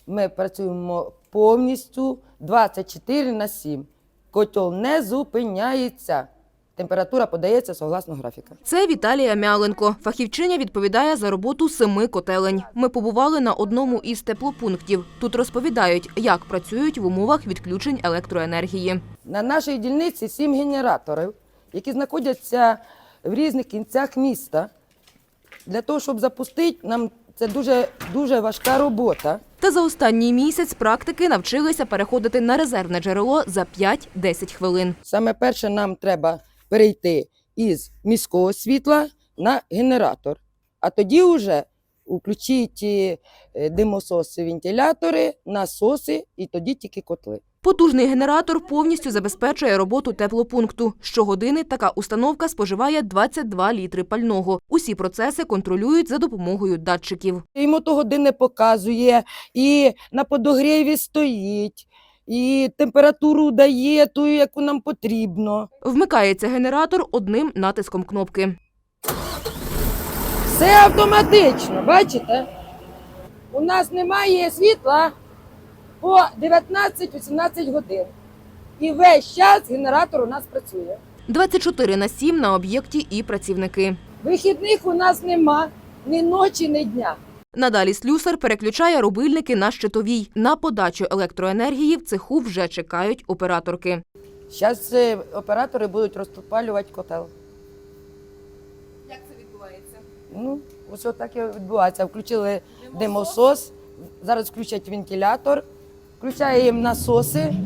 ми працюємо повністю 24/7. Котел не зупиняється. Температура подається согласно графіка. Це Віталія Мяленко. Фахівчиня відповідає за роботу 7 котелень. Ми побували на одному із теплопунктів. Тут розповідають, як працюють в умовах відключень електроенергії. На нашій дільниці 7 генераторів, які знаходяться в різних кінцях міста. Для того, щоб запустити, нам це дуже важка робота. Та за останній місяць практики навчилися переходити на резервне джерело за 5-10 хвилин. Саме перше нам треба перейти із міського світла на генератор. А тоді вже включити димососи, вентилятори, насоси і тоді тільки котли. Потужний генератор повністю забезпечує роботу теплопункту. Щогодини така установка споживає 22 літри пального. Усі процеси контролюють за допомогою датчиків. І мотогодини показує, і на подогріві стоїть, і температуру дає ту, яку нам потрібно. Вмикається генератор одним натиском кнопки. Все автоматично, бачите? У нас немає світла по 19-18 годин. І весь час генератор у нас працює. 24/7 на об'єкті і працівники. Вихідних у нас нема ні ночі, ні дня. Надалі слюсар переключає рубильники на щитовій. На подачу електроенергії в цеху вже чекають операторки. Зараз оператори будуть розпалювати котел. Як це відбувається? Ну, ось отак і відбувається. Включили димосос, зараз включать вентилятор, включаємо насоси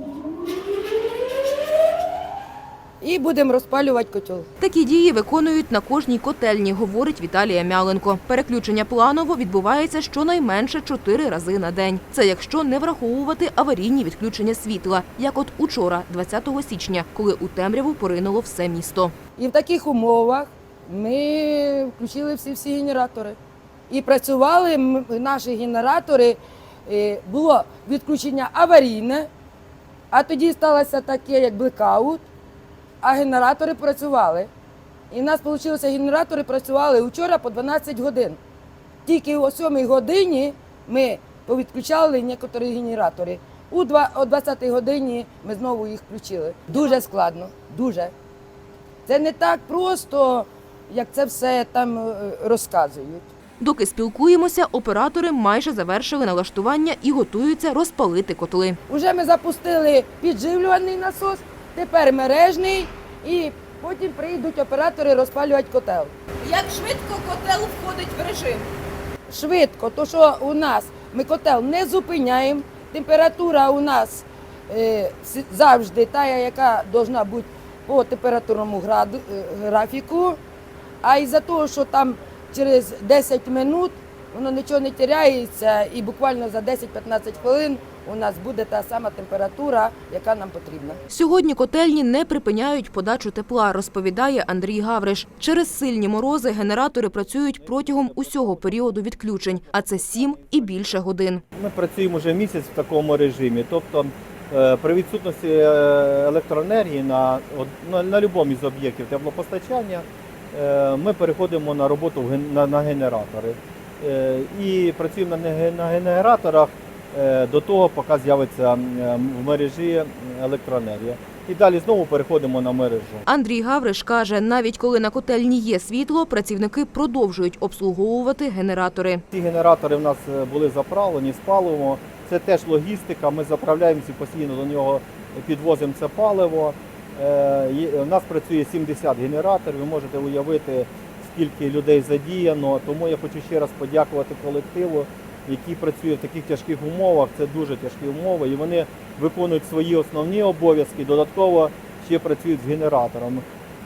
і будемо розпалювати котел. Такі дії виконують на кожній котельні, говорить Віталія Мяленко. Переключення планово відбувається щонайменше 4 рази на день. Це якщо не враховувати аварійні відключення світла, як от учора, 20 січня, коли у темряву поринуло все місто. І в таких умовах ми включили всі генератори. І працювали наші генератори, було відключення аварійне, а тоді сталося таке, як блекаут, а генератори працювали. І в нас вийшло, генератори працювали вчора по 12 годин. Тільки о 7 годині ми повідключали некоторі генератори. О 20 годині ми знову їх включили. Дуже складно, дуже. Це не так просто, як це все там розказують. Доки спілкуємося, оператори майже завершили налаштування і готуються розпалити котли. Уже ми запустили підживлювальний насос, тепер мережний, і потім прийдуть оператори розпалювати котел. Як швидко котел входить в режим? Швидко, то що у нас ми котел не зупиняємо, температура у нас завжди та, яка повинна бути по температурному графіку, а із-за того, що там через 10 минут воно нічого не теряється і буквально за 10-15 хвилин у нас буде та сама температура, яка нам потрібна. Сьогодні котельні не припиняють подачу тепла, розповідає Андрій Гавриш. Через сильні морози генератори працюють протягом усього періоду відключень, а це 7 і більше годин. Ми працюємо вже місяць в такому режимі, тобто при відсутності електроенергії на будь-якому із об'єктів теплопостачання ми переходимо на роботу на генератори. І працюємо на генераторах до того, поки з'явиться в мережі електроенергія. І далі знову переходимо на мережу. Андрій Гавриш каже, навіть коли на котельні є світло, працівники продовжують обслуговувати генератори. Ці генератори в нас були заправлені з паливом. Це теж логістика, ми заправляємося постійно до нього, підвозимо це паливо. У нас працює 70 генераторів, ви можете уявити, скільки людей задіяно. Тому я хочу ще раз подякувати колективу, який працює в таких тяжких умовах. Це дуже тяжкі умови, і вони виконують свої основні обов'язки, додатково ще працюють з генераторами.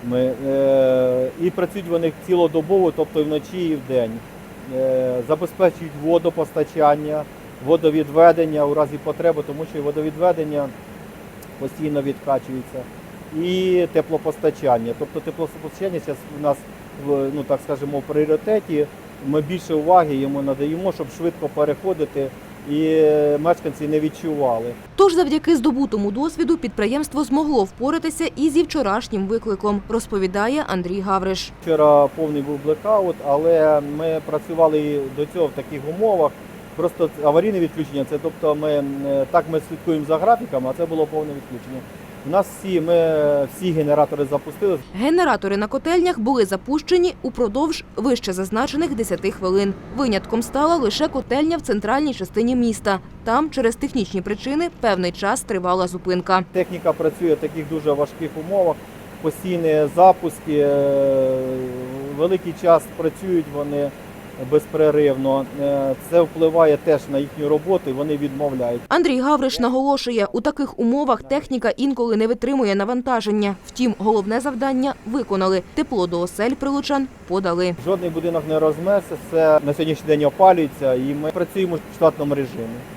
І працюють вони цілодобово, тобто і вночі, і вдень. Забезпечують водопостачання, водовідведення у разі потреби, тому що і водовідведення постійно відкачується. І теплопостачання. Тобто теплопостачання зараз у нас, так скажемо, в пріоритеті. Ми більше уваги йому надаємо, щоб швидко переходити і мешканці не відчували. Тож завдяки здобутому досвіду підприємство змогло впоратися і зі вчорашнім викликом, розповідає Андрій Гавриш. Вчора повний був блекаут, але ми працювали до цього в таких умовах. Просто аварійне відключення, це тобто ми слідкуємо за графіками, а це було повне відключення. У нас всі генератори запустили. Генератори на котельнях були запущені упродовж вище зазначених 10 хвилин. Винятком стала лише котельня в центральній частині міста. Там через технічні причини певний час тривала зупинка. Техніка працює в таких дуже важких умовах, постійні запуски, великий час працюють вони безперервно. Це впливає теж на їхню роботу і вони відмовляють. Андрій Гавриш наголошує, у таких умовах техніка інколи не витримує навантаження. Втім, головне завдання виконали. Тепло до осель прилучан подали. Жодний будинок не розмерзся, все на сьогоднішній день опалюється і ми працюємо в штатному режимі.